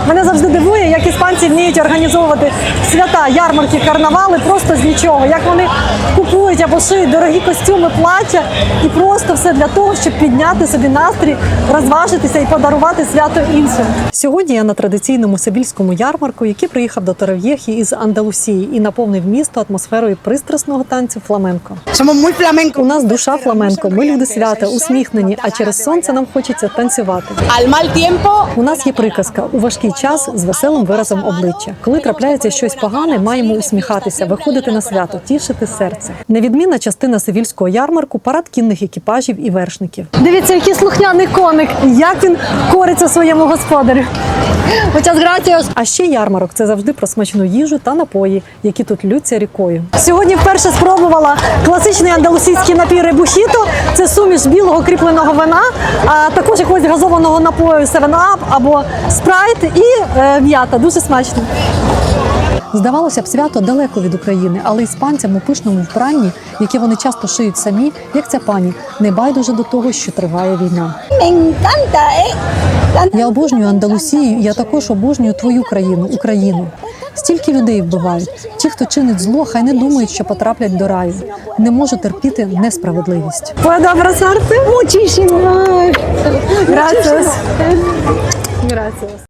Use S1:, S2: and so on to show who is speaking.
S1: Мене завжди дивує, як іспанці вміють організовувати свята, ярмарки, карнавали просто з нічого. Як вони купують або шиють дорогі костюми, плаття і просто все для того, щоб підняти собі настрій, розважитися і подарувати свято іншим. Сьогодні я на традиційному севільському ярмарку, який приїхав до Торов'єхі із Андалусії і наповнив місто атмосферою пристрасного танцю фламенко. У нас душа фламенко, ми люди свята, усміхнені, а через сонце нам хочеться танцювати. У нас є приказка – у важкий час з веселим виразом обличчя. Коли трапляється щось погане, маємо усміхатися, виходити на свято, тішити серце. Невідмінна частина севільського ярмарку – парад кінних екіпажів і вершників. Дивіться, який слухняний коник, як він кориться своєму господарю. А ще ярмарок – це завжди про смачну їжу та напої, які тут ллються рікою. Сьогодні вперше спробувала класичний андалусійський напій ребухіто. Це суміш білого кріпленого вина, а також якогось газованого напою 7-Up або Sprite і м'ята. Дуже смачно. Здавалося б, свято далеко від України, але іспанцям у пишному вбранні, яке вони часто шиють самі, як ця пані, не байдуже до того, що триває війна. Я обожнюю Андалусію, я також обожнюю твою країну, Україну. Стільки людей вбивають. Ті, хто чинить зло, хай не думають, що потраплять до раю. Не можу терпіти несправедливість. Puedo abrazarte? Muchísimo. Gracias. Gracias.